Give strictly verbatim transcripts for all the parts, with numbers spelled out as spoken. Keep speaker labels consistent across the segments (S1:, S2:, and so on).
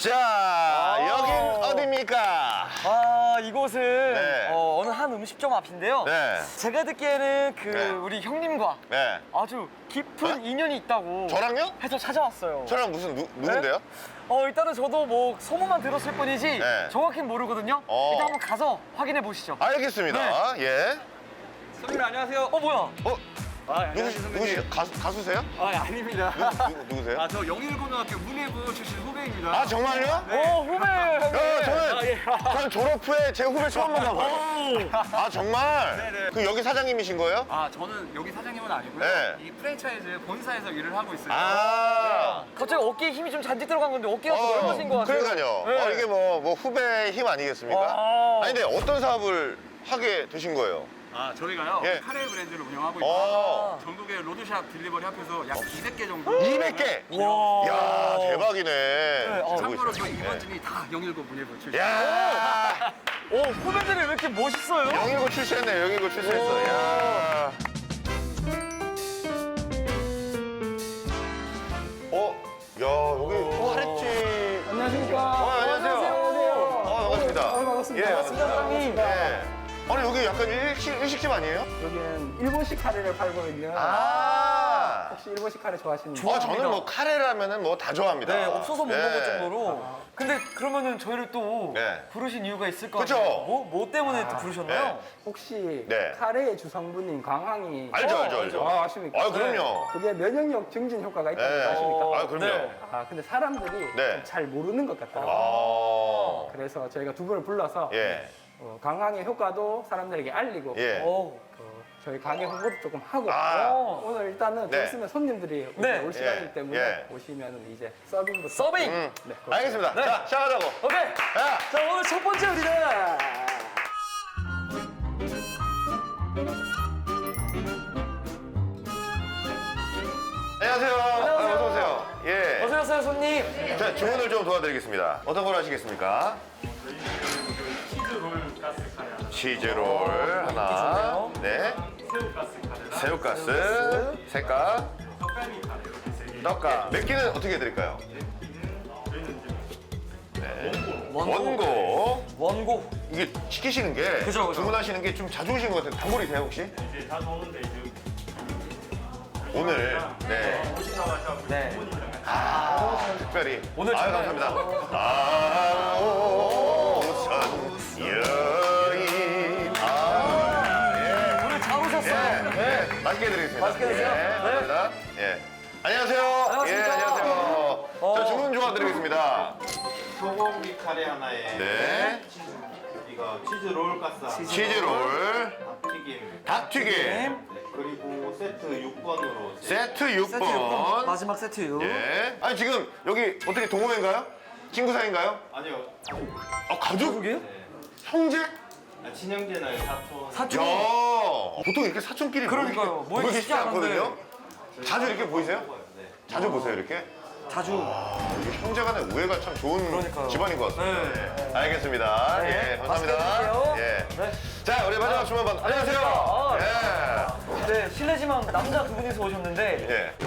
S1: 자, 여긴 어디입니까?
S2: 아, 이곳은
S1: 네.
S2: 어, 어느 한 음식점 앞인데요.
S1: 네.
S2: 제가 듣기에는 그
S1: 네.
S2: 우리 형님과
S1: 네.
S2: 아주 깊은
S1: 어?
S2: 인연이 있다고
S1: 저랑요?
S2: 해서 찾아왔어요.
S1: 저랑 무슨 누, 누군데요?
S2: 어, 일단은 저도 뭐 소문만 들었을 뿐이지
S1: 네.
S2: 정확히는 모르거든요.
S1: 어.
S2: 일단 한번 가서 확인해 보시죠.
S1: 알겠습니다. 예.
S3: 선배님 안녕하세요.
S2: 어, 뭐야?
S1: 어?
S3: 아,
S1: 누구, 누구시 가수, 가수세요?
S3: 아, 아닙니다.
S1: 누구, 누구, 누구세요?
S3: 아, 저 영일고등학교 문예부 출신 후배입니다.
S1: 아, 정말요?
S2: 오, 후배 형님.
S1: 야, 저는,
S3: 아, 예.
S1: 저는 졸업 후에 제 후배 처음 만나봐요. 아, 정말?
S3: 네네.
S1: 그 여기 사장님이신 거예요?
S3: 아, 저는 여기 사장님은 아니고요.
S1: 네.
S3: 이 프랜차이즈 본사에서 일을 하고 있어요.
S1: 아.
S2: 갑자기 어깨에 힘이 좀 잔뜩 들어간 건데 어깨가 좀 넓어진 것 같아요.
S1: 그러니까요.
S2: 네.
S1: 어, 이게 뭐, 뭐 후배의 힘 아니겠습니까?
S2: 아.
S1: 아니, 근데 어떤 사업을 하게 되신 거예요?
S3: 아, 저희가요.
S1: 예.
S3: 카레 브랜드를 운영하고
S1: 어.
S3: 있고 전국의 로드샵 딜리버리 합해서 약 이백 개 정도.
S1: 이백 개?
S2: 와.
S1: 야, 대박이네.
S2: 어.
S3: 참고로 저
S1: 네.
S3: 이번 중이 다 영일고 문예부 출신.
S1: 야,
S2: 오, 후배들이 왜 이렇게 멋있어요?
S1: 영일고 출세했네, 영일고 출세했어. 야. 어, 야, 여기 카레집.
S4: 안녕하십니까.
S1: 어, 안녕하세요.
S2: 안녕하세요.
S1: 어, 반갑습니다.
S4: 어, 반갑습니다.
S1: 예,
S2: 반갑습니다, 사장님.
S1: 예. 아니, 여기 약간 일식, 일식집 아니에요?
S4: 여기는 일본식 카레를 팔거든요.
S1: 아.
S4: 혹시 일본식 카레 좋아하시는
S2: 좋아.
S1: 아, 저는 뭐 카레라면은 뭐 다 좋아합니다.
S2: 네, 없어서 못
S1: 예.
S2: 먹을 정도로. 근데 그러면은 저희를 또
S1: 네.
S2: 부르신 이유가 있을 거
S1: 그쵸?
S2: 아니에요? 뭐, 뭐 때문에 또 부르셨나요?
S1: 네.
S4: 혹시
S1: 네.
S4: 카레의 주성분인 광황이
S1: 알죠,
S2: 어,
S1: 알죠, 알죠.
S4: 아, 아십니까?
S1: 아, 그럼요.
S4: 그게 면역력 증진 효과가 있다는
S1: 네.
S4: 거 아십니까?
S1: 아, 그럼요.
S2: 네.
S4: 아, 근데 사람들이
S1: 네.
S4: 좀 잘 모르는 것 같더라고요.
S1: 아.
S4: 그래서 저희가 두 분을 불러서
S1: 예.
S4: 어, 강황의 효과도 사람들에게 알리고
S1: 예.
S2: 오.
S4: 어, 저희 가게 홍보도 조금 하고
S1: 아.
S4: 어, 오늘 일단은
S1: 네.
S4: 좀 있으면 손님들이
S2: 네.
S4: 올 시간이기
S1: 예.
S4: 때문에
S1: 예.
S4: 오시면 이제 서빙부터
S2: 서빙!
S1: 음.
S4: 네, 그렇습니다.
S1: 알겠습니다.
S2: 네.
S1: 자, 시작하자고.
S2: 오케이!
S1: 야.
S2: 자, 오늘 첫 번째 우리는
S1: 안녕하세요.
S2: 안녕하세요.
S1: 어서 오세요. 예.
S2: 어서 오세요, 손님.
S1: 자, 주문을 좀 도와드리겠습니다. 어떤 걸 하시겠습니까? 치즈롤 하나. 네. 새우가스. 색깔. 떡가. 몇 개는 어떻게 해드릴까요? 네. 원고.
S2: 원고.
S1: 이게 시키시는 게
S2: 그죠, 그죠.
S1: 주문하시는 게 좀 자주 오시는 것 같은데 단골이세요 혹시?
S5: 이제 다 오는데 이제
S1: 오늘 네.
S2: 네.
S1: 아, 특별히
S2: 오늘
S1: 아유,
S2: 정말-
S1: 감사합니다. 아, 오선 여인. 아, 예.
S2: 오늘 잘 오셨어요.
S1: 예. 네. 맛있게 해드리겠습니다.
S2: 맛있게 드세요.
S1: 예,
S2: 네.
S1: 감사합니다. 예. 안녕하세요.
S2: 안녕하십니까.
S1: 예, 안녕하세요.
S2: 어.
S1: 저 주문 도와드리겠습니다.
S6: 소고기 카레 하나에
S1: 네.
S6: 이거 치즈 롤 가스 하나,
S1: 치즈롤,
S6: 튀김
S1: 닭튀김,
S6: 네, 그리고 세트 육 번으로
S1: 세트 육
S2: 세트 육 번.
S1: 번.
S2: 마지막 세트 육.
S1: 예. 아니 지금 여기 어떻게 동호회인가요? 친구 사이인가요?
S6: 아니요
S1: 아 가족?
S2: 가족이에요?
S1: 형제?
S6: 아, 친형제나 사촌
S1: 야
S2: 사촌.
S1: 보통 이렇게 사촌끼리
S2: 그러니까요.
S1: 모이기
S2: 모이기
S1: 쉽지
S2: 쉽지 않은데.
S1: 않거든요. 자주 이렇게 보이세요?
S6: 네.
S1: 자주 보세요 이렇게?
S2: 자주.
S1: 이게 형제간의 우애가 참 좋은
S2: 그러니까요.
S1: 집안인 것 같습니다.
S2: 네.
S1: 예. 알겠습니다.
S2: 네.
S1: 예,
S2: 맛있게
S1: 감사합니다.
S2: 드세요.
S1: 예.
S2: 네.
S1: 자 우리 마지막 주문 받. 안녕하세요.
S2: 아,
S1: 예.
S2: 네, 실례지만 남자 두 분이서 오셨는데
S1: 예.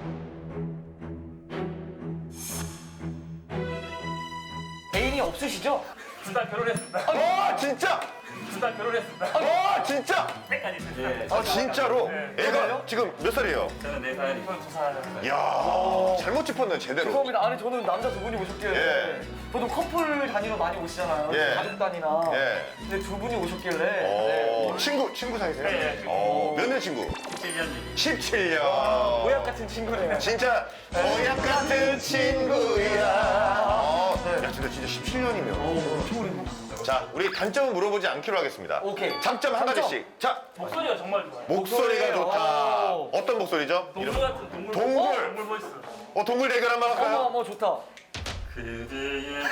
S2: 애인이 없으시죠?
S5: 둘 다 결혼했습니다.
S1: 아 진짜?
S5: 둘 다 결혼했습니다.
S1: 아 진짜?
S5: 아니 있습니다.
S1: 아 진짜로? 애가 지금 몇 살이에요?
S5: 저는 네 살, 이건 두 살.
S1: 이야 잘못 짚었네 제대로.
S2: 죄송합니다. 아니 저는 남자 두 분이 오셨길래
S1: 예.
S2: 보통 커플 단위로 많이 오시잖아요.
S1: 예.
S2: 가족 단위나.
S1: 예.
S2: 근데 두 분이 오셨길래.
S1: 어,
S2: 네.
S1: 친구 친구 사이세요?
S5: 네.
S1: 어, 몇 년 친구?
S5: 칠 년 지
S1: 십칠 년.
S2: 모약 같은 친구네요.
S1: 진짜 모약 같은 친구야. 어, 야, 근데 진짜 십칠 년이면. 자, 우리 단점은 물어보지 않기로 하겠습니다.
S2: 오케이.
S1: 장점 한
S2: 장점.
S1: 가지씩. 자,
S5: 목소리가 정말 좋아요.
S1: 목소리가
S2: 목소리.
S1: 좋다.
S2: 오.
S1: 어떤 목소리죠?
S5: 동물
S1: 이름.
S5: 같은 동물.
S1: 동물.
S5: 어? 동물 보이스.
S1: 어, 동물 대결 한번
S2: 어머
S1: 할까요?
S2: 어머 좋다.
S5: 그대의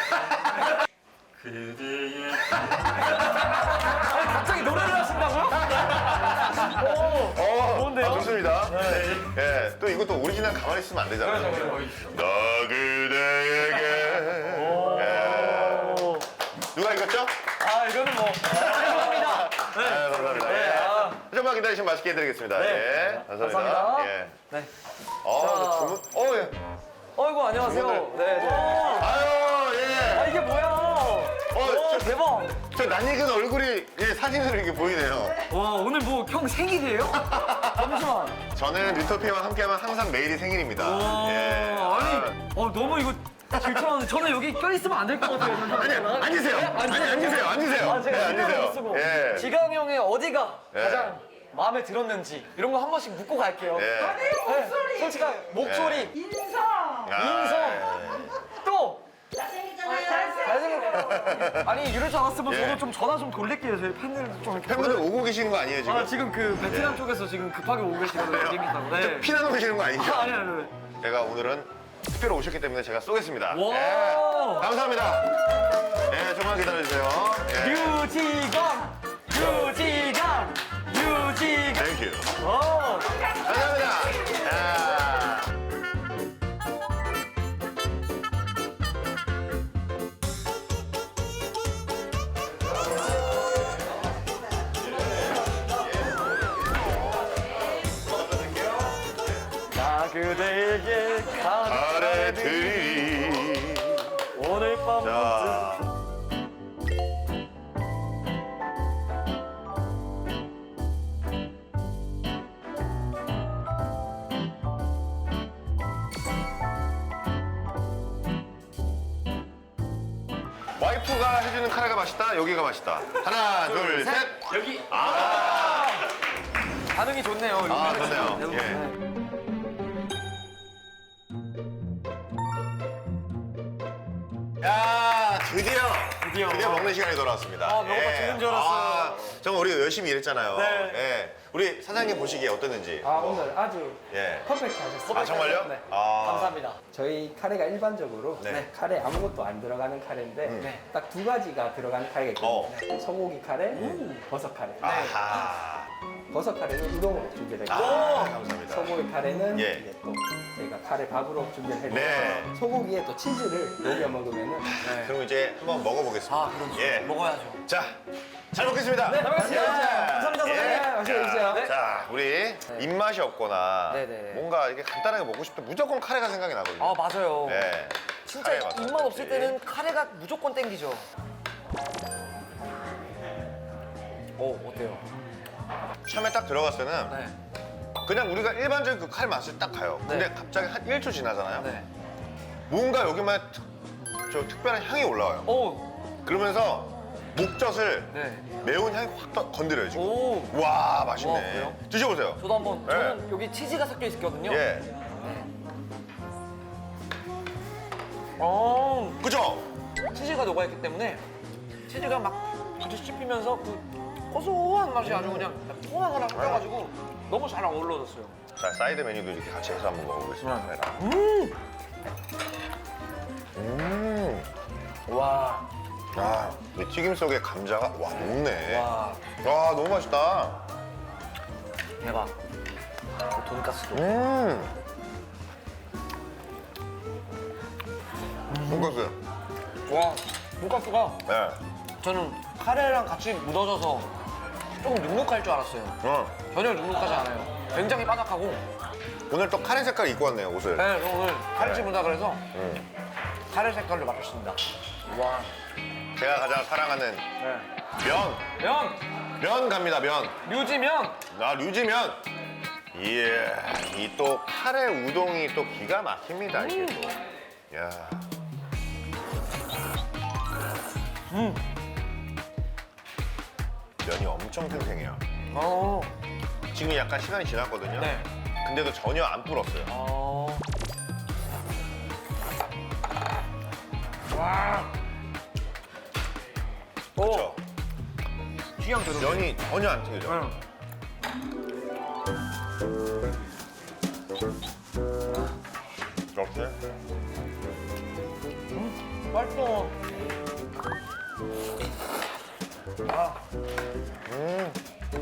S5: 그대의
S2: 아니 갑자기 노래를 하신다고요? 오.
S1: 어,
S2: 좋은데요?
S1: 아, 좋습니다. 예, 또 이것도 오리지널 가만히 있으면 안 되잖아요. 너 그대에게. 예.
S2: 오.
S1: 누가 이겼죠?
S2: 아 이거는 뭐 죄송합니다. 네.
S1: 아, 감사합니다.
S2: 네,
S1: 예.
S2: 아.
S1: 좀만 기다리시면 맛있게 해드리겠습니다.
S2: 네.
S1: 예. 감사합니다.
S2: 감사합니다.
S1: 예.
S2: 네.
S1: 어,
S2: 자.
S1: 주문, 어, 예.
S2: 어이구 안녕하세요.
S1: 주문을.
S2: 네. 네.
S1: 아유,
S2: 대박.
S1: 저 낯익은 얼굴이 예, 사진으로 이렇게 보이네요.
S2: 와, 오늘 뭐 형 생일이에요? 잠시만.
S1: 저는 리토피와 함께하면 항상 매일이 생일입니다.
S2: 와,
S1: 예.
S2: 아니, 어, 너무 이거 질투하는데 저는 여기 껴있으면 안 될 것 같아요.
S1: 아니, 앉으세요. 아니, 앉으세요. 앉으세요.
S2: 아, 제가
S1: 네,
S2: 신경을
S1: 앉으세요.
S2: 못 쓰고
S1: 예.
S2: 지강 형의 어디가
S1: 예.
S2: 가장 마음에 들었는지 이런 거 한 번씩 묻고 갈게요.
S1: 예.
S2: 네, 솔직한 목소리,
S7: 인성.
S1: 아,
S2: 인성. 또
S7: 잘생겼잖아요.
S2: 잘생겼. 아니 이럴 줄 알았으면
S1: 예.
S2: 저도 좀 전화 좀 돌릴게요. 저희 팬들 좀 이렇게.
S1: 팬분들 오고 계시는 거 아니에요, 지금?
S2: 아 지금 그 베트남 쪽에서 지금 급하게 오고 계시거든요. 재밌다고. 네.
S1: 피나는 오시는 거 아니죠?
S2: 아, 아니 아니 아니.
S1: 제가 오늘은 특별히 오셨기 때문에 제가 쏘겠습니다.
S2: 와.
S1: 예. 감사합니다. 예, 조금만 기다려주세요. 예.
S2: 유지강, 유지강, 유지강.
S1: 땡큐.
S2: 어.
S1: 감사합니다. 야.
S2: 나 그대에게
S1: 잘해드리리.
S2: 오늘 밤
S1: 자. 와이프가 해주는 카레가 맛있다, 여기가 맛있다. 하나, 둘, 셋.
S2: 여기
S1: 아,
S2: 반응이 좋네요.
S1: 아, 좋네요.
S2: 네.
S1: 예. 야, 드디어,
S2: 드디어.
S1: 드디어 먹는 시간이 돌아왔습니다.
S2: 아, 먹어봐 죽는 줄 알았어요.
S1: 아, 정말 우리가 열심히 일했잖아요.
S2: 네.
S1: 예. 우리 사장님 보시기에 어땠는지.
S4: 아 오늘 아주
S1: 예.
S4: 퍼펙트 하셨습니다.
S1: 아, 정말요?
S4: 네.
S1: 아.
S2: 감사합니다.
S4: 저희 카레가 일반적으로
S1: 네.
S4: 카레 아무것도 안 들어가는 카레인데
S2: 네.
S4: 딱 두 가지가 들어가는 카레가 있거든요.
S1: 어.
S4: 소고기 카레, 버섯 카레.
S1: 아하.
S4: 버섯 카레는 우동으로 준비되고
S1: 아, 감사합니다.
S4: 소고기 카레는
S1: 예.
S4: 이제 또 저희가 카레 밥으로 준비를 해드려서
S1: 네.
S4: 소고기에 또 치즈를 녹여 먹으면은
S1: 그럼 이제 한번 먹어보겠습니다.
S2: 아, 그렇죠.
S1: 예.
S2: 먹어야죠.
S1: 자, 잘 먹겠습니다.
S2: 네, 잘 먹겠습니다. 감사합니다,
S1: 예.
S2: 선생님.
S4: 맛있게 드세요.
S2: 네.
S1: 자, 우리 입맛이 없거나
S2: 네, 네.
S1: 뭔가 이렇게 간단하게 먹고 싶을 때 무조건 카레가 생각이 나거든요.
S2: 아, 맞아요.
S1: 네.
S2: 진짜
S1: 카레 맛.
S2: 입맛 없을 때는 카레가 무조건 땡기죠. 오, 어때요?
S1: 처음에 딱 들어갔을 때는
S2: 네.
S1: 그냥 우리가 일반적인 그 카레 맛을 딱 가요. 근데
S2: 네.
S1: 갑자기 한 일 초 지나잖아요.
S2: 네.
S1: 뭔가 여기만 특, 저 특별한 향이 올라와요.
S2: 오,
S1: 그러면서 목젖을
S2: 네.
S1: 매운 향이 확 떠- 건드려요, 지금.
S2: 오.
S1: 와,
S2: 와,
S1: 맛있네.
S2: 그래요?
S1: 드셔보세요.
S2: 저도 한번,
S1: 네.
S2: 저는 여기 치즈가 섞여 있거든요.
S1: 예.
S2: 어,
S1: 그죠?
S2: 치즈가 녹아있기 때문에 치즈가 막 같이 씹히면서 그 고소한 맛이 아주 그냥 포항하나 섞여가지고 너무 잘 어우러졌어요.
S1: 자, 사이드 메뉴도 이렇게 같이 해서 한번 먹어보겠습니다. 카레랑.
S2: 음!
S1: 음.
S2: 와,
S1: 아, 이 튀김 속에 감자가 와 녹네. 와,
S2: 와,
S1: 너무 맛있다.
S2: 대박. 그 돈가스도.
S1: 음. 돈가스.
S2: 와, 돈가스가
S1: 네.
S2: 저는 카레랑 같이 묻어져서 조금 눅눅할 줄 알았어요.
S1: 어.
S2: 전혀 눅눅하지 않아요. 굉장히 바삭하고.
S1: 오늘 또 카레 색깔 입고 왔네요, 옷을.
S2: 네, 저 오늘 카레집 온다 그래서
S1: 음.
S2: 카레 색깔로 맞췄습니다. 와,
S1: 제가 가장 사랑하는
S2: 네.
S1: 면.
S2: 면!
S1: 면 갑니다, 면.
S2: 류지면!
S1: 나 류지면. 예. 이 또 카레 우동이 또 기가 막힙니다, 이게 또. 야.
S2: 음.
S1: 면이 엄청 탱탱해요.
S2: 어.
S1: 지금 약간 시간이 지났거든요.
S2: 네.
S1: 근데도 전혀 안 불었어요.
S2: 어. 와.
S1: 그렇죠?
S2: 취향 대로.
S1: 면이 전혀 안 튀겨져.
S2: 응.
S1: 이렇게.
S2: 맛있어. 아.
S1: 음.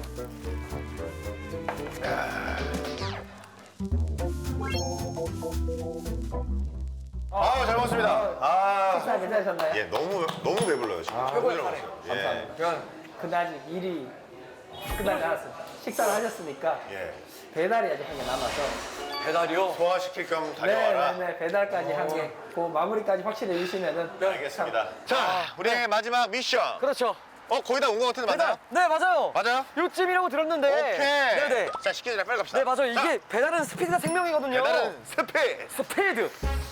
S1: 아, 잘 먹었습니다. 아,
S4: 식사 괜찮으셨나요?
S1: 예, 너무 너무 배불러요 지금.
S4: 아,
S1: 너무
S2: 최고의
S1: 잘
S2: 카레.
S1: 먹었어요. 예,
S4: 감사합니다.
S2: 면.
S4: 근데 아직 일이 끝나지 않았습니다. 식사를 하셨으니까
S1: 예.
S4: 배달이 아직 한 개 남아서
S2: 배달이요?
S1: 소화시킬 겸 다녀와라.
S4: 네네네 배달까지 한 개. 그 마무리까지 확실히 해주시면은
S1: 네, 알겠습니다. 자, 우리의 마지막 미션.
S2: 그렇죠.
S1: 어, 거의 다 온 것 같은데 맞나요?
S2: 네, 맞아요.
S1: 맞아요?
S2: 요쯤이라고 들었는데.
S1: 오케이.
S2: 네네.
S1: 자, 시키기 전에 빨리 갑시다.
S2: 네, 맞아요.
S1: 자,
S2: 이게 배달은 스피드가 생명이거든요.
S1: 배달은 스피드.
S2: 스피드.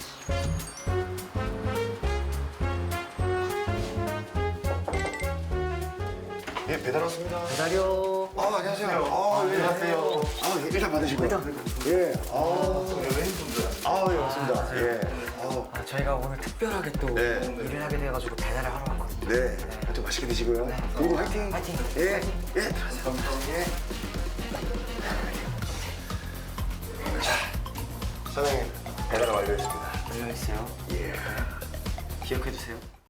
S1: 예, 배달 왔습니다.
S2: 배달이요.
S1: 아, 안녕하세요. 아, 예, 안녕하세요. 아, 예, 일단 받으시고요. 예, 아, 아, 예, 맞습니다. 예, 아,
S2: 아, 저희가 오늘 특별하게 또
S1: 네.
S2: 일을 하게 돼가지고 배달을 하러 왔거든요.
S1: 네, 또 맛있게 드시고요. 그리고 화이팅.
S2: 화이팅.
S1: 예, 예, 들어가세요. 예. 자, 사장님, 배달 완료했습니다.
S2: 열려있어요.
S1: 예.
S2: 기억해주세요.